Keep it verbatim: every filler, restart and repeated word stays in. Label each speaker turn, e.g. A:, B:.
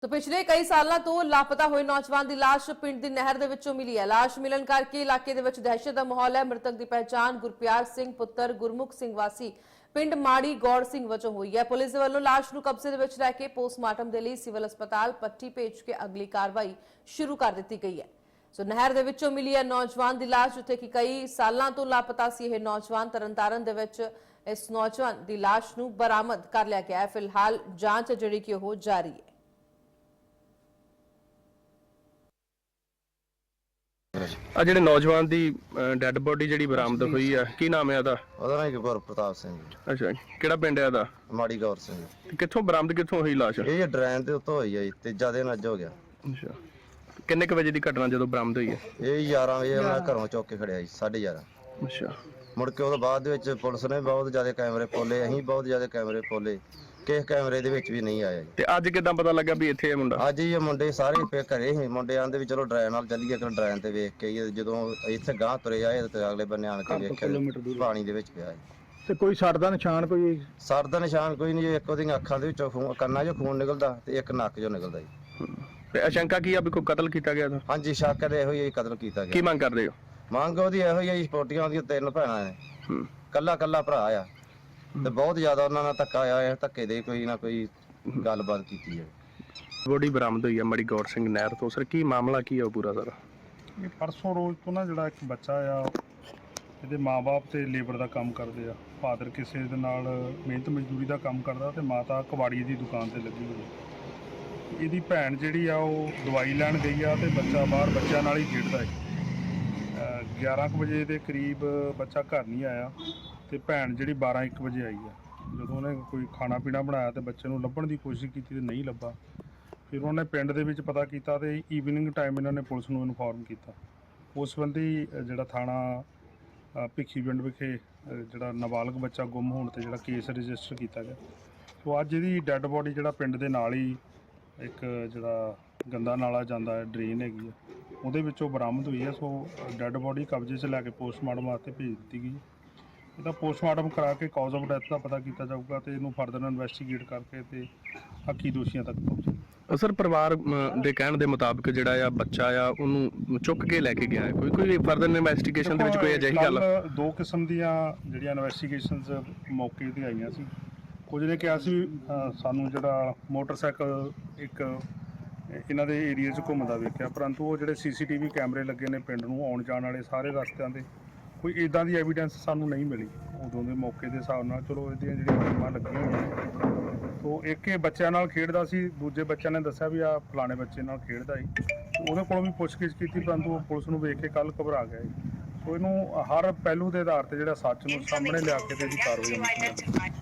A: तो पिछले कई सालों तो लापता हुए नौजवान की लाश पिंड की नहर दे विचों मिली है। लाश मिलन करके इलाके दे विच दहशत का माहौल है। मृतक की पहचान गुरप्यार सिंह पुत्र गुरमुख सिंह वासी पिंड माड़ी गौड़ सिंह वजों हुई है। पुलिस दे वल्लों लाश नूं कब्जे दे विच रख के पोस्टमार्टम दे लई सिविल अस्पताल पट्टी भेज के अगली कार्रवाई शुरू कर दी गई है। सो नहर दे विचों मिली है नौजवान की लाश, जिथे कि कई सालों तो लापता सी यह नौजवान। तरनतारन दे विच इस नौजवान की लाश नूं बरामद कर लिया गया है। फिलहाल जांच जिहड़ी कि ओह जारी है।
B: ਆ ਜਿਹੜੇ ਨੌਜਵਾਨ ਦੀ ਡੈੱਡ ਬੋਡੀ ਜਿਹੜੀ ਬਰਾਮਦ ਹੋਈ ਆ, ਕੀ ਨਾਮ ਹੈ ਉਹਦਾ?
C: ਉਹਦਾ ਨਾਮ ਗੁਰ ਪ੍ਰਤਾਪ ਸਿੰਘ ਜੀ।
B: ਅੱਛਾ, ਕਿਹੜਾ ਪਿੰਡ ਹੈ ਇਹਦਾ?
C: ਮਾੜੀ ਗੌਰ ਸਿੰਘ।
B: ਤੇ ਕਿੱਥੋਂ ਬਰਾਮਦ ਕਿੱਥੋਂ ਹੋਈ ਲਾਸ਼?
C: ਇਹ ਡਰੈਨ ਦੇ ਉੱਤੋਂ ਹੋਈ ਆ ਜੀ, ਤੀਜਾ ਦਿਨ ਅੱਜ ਹੋ ਗਿਆ।
B: ਅੱਛਾ, ਕਿੰਨੇ ਕੁ ਵਜੇ ਦੀ ਘਟਨਾ ਜਦੋਂ ਬਰਾਮਦ ਹੋਈ ਹੈ?
C: ਇਹ ਗਿਆਰਾਂ ਵਜੇ ਉਹਨਾਂ ਘਰੋਂ ਚੁੱਕ ਕੇ ਖੜਿਆ ਜੀ, ਸਾਢੇ ਗਿਆਰਾਂ।
B: ਅੱਛਾ,
C: ਮੁੜ ਕੇ ਉਹਦੇ ਬਾਅਦ ਦੇ ਵਿੱਚ ਪੁਲਿਸ ਨੇ ਬਹੁਤ ਜ਼ਿਆਦਾ ਕੈਮਰੇ ਪੋਲੇ, ਅਸੀਂ ਬਹੁਤ ਜ਼ਿਆਦਾ ਕੈਮਰੇ ਪੋਲੇ, ਕਿਸੇ ਕੈਮਰੇ ਦੇ ਵਿੱਚ ਵੀ ਨਹੀਂ ਆਇਆ ਜੀ।
B: ਤੇ ਅੱਜ ਕਿਦਾਂ ਪਤਾ ਲੱਗਾ ਵੀ ਇੱਥੇ ਇਹ ਮੁੰਡਾ?
C: ਅੱਜ ਇਹ ਮੁੰਡੇ ਸਾਰੇ ਪੇ ਘਰੇ ਸੀ। ਮੁੰਡੇ ਆਂਦੇ ਵੀ ਚਲੋ ਡਰੈਨ ਨਾਲ ਚੱਲੀਏ, ਕਿ ਡਰੈਨ ਤੇ ਵੇਖ ਕੇ ਆਈਏ। ਜਦੋਂ ਇੱਥੇ ਗਾਂਹ ਤੁਰੇ ਆਏ ਤੇ ਅਗਲੇ ਬੰਨੇ ਆਣ ਕੇ ਵੇਖਿਆ ਪਾਣੀ ਦੇ ਵਿੱਚ ਪਿਆ ਜੀ।
D: ਤੇ ਕੋਈ ਸੱਟ ਦਾ ਨਿਸ਼ਾਨ? ਕੋਈ
C: ਸਰ ਦਾ ਨਿਸ਼ਾਨ ਕੋਈ ਨਹੀਂ ਜੀ। ਇੱਕ ਉਹਦੀਆਂ ਅੱਖਾਂ ਦੇ ਵਿੱਚੋਂ ਖੂਨ, ਕੰਨਾਂ 'ਚੋਂ ਖੂਨ ਨਿਕਲਦਾ ਤੇ ਇੱਕ ਨੱਕ 'ਚੋਂ ਨਿਕਲਦਾ ਜੀ।
B: ਤੇ ਅਸ਼ੰਕਾ ਕੀ ਆ ਵੀ ਕੋਈ ਕਤਲ ਕੀਤਾ ਗਿਆ?
C: ਹਾਂਜੀ, ਸ਼ੱਕ ਦੇ ਇਹੋ ਹੀ ਕਤਲ ਕੀਤਾ ਗਿਆ।
B: ਕੀ ਮੰਗ ਕਰਦੇ ਹੋ?
C: ਮੰਗ ਉਹਦੀ ਇਹੋ ਹੀ ਆ ਜੀ, ਸਪੋਰਟੀਆਂ ਉਹਦੀਆਂ ਤਿੰਨ ਭੈਣਾਂ ਨੇ, ਕੱਲਾ ਕੱਲਾ ਭਰਾ ਆ ਤੇ ਬਹੁਤ ਜ਼ਿਆਦਾ ਉਹਨਾਂ ਨਾਲ ਧੱਕਾ ਆਇਆ ਹੈ। ਧੱਕੇ ਦੇ ਕੋਈ ਨਾ ਕੋਈ ਗੱਲਬਾਤ ਕੀਤੀ ਹੈ।
B: ਬੋਡੀ ਬਰਾਮਦ ਹੋਈ ਆ ਮਾੜੀ ਗੌਰ ਸਿੰਘ ਨਹਿਰ ਤੋਂ। ਸਰ, ਕੀ ਮਾਮਲਾ ਕੀ ਆ ਉਹ ਪੂਰਾ? ਸਰ,
E: ਇਹ ਪਰਸੋਂ ਰੋਜ਼ ਤੋਂ ਨਾ ਜਿਹੜਾ ਇੱਕ ਬੱਚਾ ਆ, ਇਹਦੇ ਮਾਂ-ਬਾਪ ਤੇ ਲੇਬਰ ਦਾ ਕੰਮ ਕਰਦੇ ਆ। ਫਾਦਰ ਕਿਸੇ ਦੇ ਨਾਲ ਮਿਹਨਤ ਮਜ਼ਦੂਰੀ ਦਾ ਕੰਮ ਕਰਦਾ ਤੇ ਮਾਤਾ ਕਬਾੜੀ ਦੀ ਦੁਕਾਨ ਤੇ ਲੱਗੀ ਹੋਈ। ਇਹਦੀ ਭੈਣ ਜਿਹੜੀ ਆ ਉਹ ਦਵਾਈ ਲੈਣ ਗਈ ਆ ਤੇ ਬੱਚਾ ਬਾਹਰ ਬੱਚਿਆਂ ਨਾਲ ਹੀ ਖੇਡਦਾ ਹੈ। ਗਿਆਰਾਂ ਕੁ ਵਜੇ ਦੇ ਕਰੀਬ ਬੱਚਾ ਘਰ ਨਹੀਂ ਆਇਆ ਤੇ ਭੈਣ ਜਿਹੜੀ ਬਾਰਾਂ ਇੱਕ ਵਜੇ ਆਈ ਆ। ਜਦੋਂ ਉਹਨੇ ਕੋਈ ਖਾਣਾ ਪੀਣਾ ਬਣਾਇਆ ਤੇ ਬੱਚੇ ਨੂੰ ਲੱਭਣ ਦੀ ਕੋਸ਼ਿਸ਼ ਕੀਤੀ ਤੇ ਨਹੀਂ ਲੱਭਾ। ਫਿਰ ਉਹਨੇ ਪਿੰਡ ਦੇ ਵਿੱਚ ਪਤਾ ਕੀਤਾ ਤੇ ਈਵਨਿੰਗ ਟਾਈਮ ਇਹਨਾਂ ਨੇ ਪੁਲਿਸ ਨੂੰ ਇਨਫੋਰਮ ਕੀਤਾ। ਉਸ ਸੰਬੰਧੀ ਜਿਹੜਾ ਥਾਣਾ ਭਿੱਖੀ ਪਿੰਡ ਵਿਖੇ ਜਿਹੜਾ ਨਾਬਾਲਗ ਬੱਚਾ ਗੁੰਮ ਹੋਣ ਤੇ ਜਿਹੜਾ ਕੇਸ ਰਜਿਸਟਰ ਕੀਤਾ ਗਿਆ। ਸੋ ਅੱਜ ਇਹਦੀ ਡੈੱਡ ਬੋਡੀ ਜਿਹੜਾ ਪਿੰਡ ਦੇ ਨਾਲ ਹੀ ਇੱਕ ਜਿਹੜਾ ਗੰਦਾ ਨਾਲਾ ਜਾਂਦਾ ਹੈ, ਡਰੇਨ ਹੈਗੀ ਆ, ਉਹਦੇ ਵਿੱਚੋਂ ਬਰਾਮਦ ਹੋਈ ਹੈ। ਸੋ ਡੈੱਡ ਬੋਡੀ ਕਬਜ਼ੇ 'ਚ ਲੈ ਕੇ ਪੋਸਟਮਾਰਟਮ ਵਾਸਤੇ ਭੇਜ ਦਿੱਤੀ ਗਈ। ਇਹਦਾ ਪੋਸਟਮਾਰਟਮ ਕਰਾ ਕੇ ਕਾਜ਼ ਆਫ ਡੈਥ ਦਾ ਪਤਾ ਕੀਤਾ ਜਾਊਗਾ ਤੇ ਇਹਨੂੰ ਫਰਦਰ ਇਨਵੈਸਟੀਗੇਟ ਕਰਕੇ ਤੇ ਹੱਕੀ ਦੋਸ਼ੀਆਂ ਤੱਕ ਪਹੁੰਚੇ।
B: ਸਰ, ਪਰਿਵਾਰ ਦੇ ਕਹਿਣ ਦੇ ਮੁਤਾਬਕ ਜਿਹੜਾ ਆ ਬੱਚਾ ਆ ਉਹਨੂੰ ਚੁੱਕ ਕੇ ਲੈ ਕੇ ਗਿਆ ਹੈ। ਕੋਈ ਕੋਈ ਫਰਦਰ ਇਨਵੈਸਟੀਗੇਸ਼ਨ ਦੇ ਵਿੱਚ ਕੋਈ ਅਜਿਹੀ ਗੱਲ?
E: ਦੋ ਕਿਸਮ ਦੀਆਂ ਜਿਹੜੀਆਂ ਇਨਵੈਸਟੀਗੇਸ਼ਨਸ ਮੌਕੇ ਤੇ ਆਈਆਂ ਸੀ। ਕੁਝ ਨੇ ਕਿਹਾ ਸੀ ਸਾਨੂੰ ਜਿਹੜਾ ਮੋਟਰਸਾਈਕਲ ਇੱਕ ਇਹਨਾਂ ਦੇ ਏਰੀਆ 'ਚ ਘੁੰਮਦਾ ਵੇਖਿਆ, ਪਰੰਤੂ ਉਹ ਜਿਹੜੇ ਸੀ ਸੀ ਟੀ ਵੀ ਕੈਮਰੇ ਲੱਗੇ ਨੇ ਪਿੰਡ ਨੂੰ ਆਉਣ ਜਾਣ ਵਾਲੇ ਸਾਰੇ ਰਸਤਿਆਂ ਦੇ, ਕੋਈ ਇੱਦਾਂ ਦੀ ਐਵੀਡੈਂਸ ਸਾਨੂੰ ਨਹੀਂ ਮਿਲੀ ਉਦੋਂ ਦੇ ਮੌਕੇ ਦੇ ਹਿਸਾਬ ਨਾਲ। ਚਲੋ ਇਹਦੀਆਂ ਜਿਹੜੀਆਂ ਟੀਮਾਂ ਲੱਗੀਆਂ ਹੋਈਆਂ, ਤੋ ਇੱਕ ਇਹ ਬੱਚਿਆਂ ਨਾਲ ਖੇਡਦਾ ਸੀ, ਦੂਜੇ ਬੱਚਿਆਂ ਨੇ ਦੱਸਿਆ ਵੀ ਆ ਫਲਾਣੇ ਬੱਚੇ ਨਾਲ ਖੇਡਦਾ ਸੀ। ਉਹਦੇ ਕੋਲੋਂ ਵੀ ਪੁੱਛਗਿੱਛ ਕੀਤੀ, ਪਰੰਤੂ ਉਹ ਪੁਲਿਸ ਨੂੰ ਵੇਖ ਕੇ ਕੱਲ੍ਹ ਘਬਰਾ ਗਿਆ ਸੀ। ਸੋ ਇਹਨੂੰ ਹਰ ਪਹਿਲੂ ਦੇ ਆਧਾਰ ਤੇ ਜਿਹੜਾ ਸੱਚ ਨੂੰ ਸਾਹਮਣੇ ਲਿਆ ਕੇ ਤੇ ਇਹਦੀ ਕਾਰਵਾਈ ਹੋਣੀ ਚਾਹੀਦੀ ਹੈ।